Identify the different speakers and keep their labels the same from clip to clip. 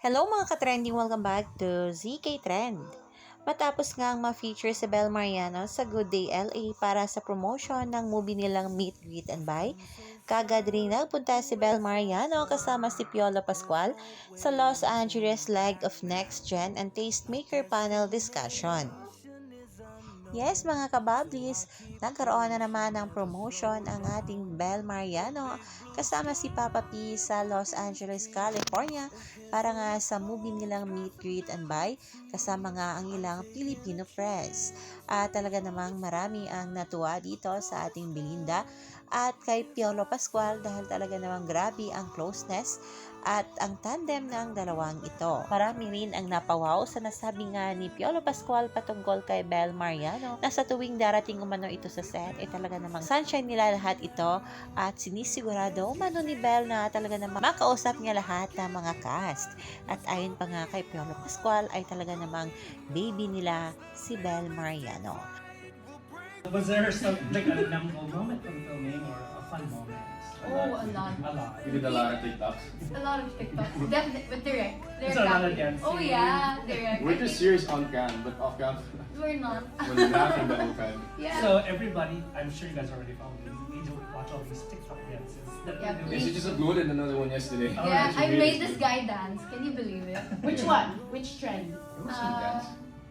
Speaker 1: Hello mga ka-trending! Welcome back to ZK Trend. Matapos ngang ma-feature si Bel Mariano sa Good Day LA para sa promotion ng movie nilang Meet, Greet and Buy, kagad rin nagpunta si Bel Mariano kasama si Piolo Pascual sa Los Angeles leg of Next Gen and Tastemaker panel discussion. Yes, mga kabablis, nagkaroon na naman ng promotion ang ating Bel Mariano kasama si Papa P sa Los Angeles, California para nga sa movie nilang Meet, Greet and Buy kasama nga ang ilang Filipino press. At talaga namang marami ang natuwa dito sa ating Belinda at kay Piolo Pascual dahil talaga namang grabe ang closeness at ang tandem ng dalawang ito. Marami rin ang napawaw sa nasabi nga ni Piolo Pascual patungkol kay Bel Mariano na sa tuwing darating umano ito sa set ay talaga namang sunshine nila lahat ito at sinisigurado umano ni Bel na talaga namang makausap niya lahat ng mga cast. At ayon pa nga kay Piolo Pascual ay talaga namang baby nila si Bel Mariano.
Speaker 2: Was there some like a memorable moment from filming or a fun moment?
Speaker 3: Oh, a lot.
Speaker 2: A lot.
Speaker 4: We did a lot of TikToks.
Speaker 3: A lot of TikToks. Definitely, but direct.
Speaker 2: Is there a lot of
Speaker 3: acting.
Speaker 2: dancing?
Speaker 3: Oh yeah, direct.
Speaker 4: We're just serious on cam, but off cam,
Speaker 3: We're not.
Speaker 4: we're laughing the whole time.
Speaker 3: Yeah.
Speaker 2: So everybody, I'm sure you guys already followed me. We do watch all these TikTok dances. That
Speaker 3: Yeah,
Speaker 2: we do.
Speaker 4: Yeah, she just uploaded another one yesterday.
Speaker 2: Oh,
Speaker 3: yeah,
Speaker 2: she
Speaker 3: I
Speaker 4: really
Speaker 3: made
Speaker 4: is
Speaker 3: this
Speaker 4: good.
Speaker 3: guy dance. Can you believe it?
Speaker 5: Which one? Which trend?
Speaker 4: It was some dance.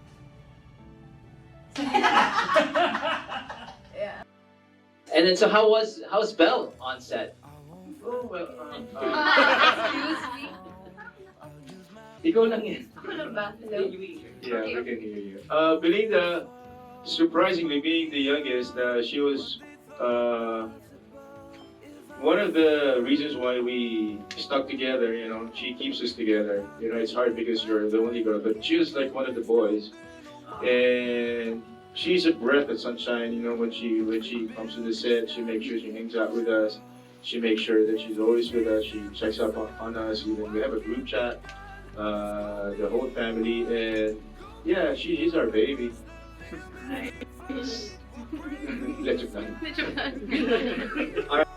Speaker 3: Yeah.
Speaker 6: And then, so how's Belle on set?
Speaker 4: Oh, well,
Speaker 3: Excuse me.
Speaker 6: Ikaw lang yan.
Speaker 3: Ano ba? Hello?
Speaker 4: yeah, we can hear you.
Speaker 7: Belinda, surprisingly being the youngest, she was one of the reasons why we stuck together. You know, she keeps us together. You know, it's hard because you're the only girl, but she was like one of the boys, and she's a breath of sunshine. You know, when she comes to the set, she makes sure she hangs out with us. She makes sure that she's always with us. She checks up on us. Even we have a group chat, the whole family, and yeah, she's our baby. Let's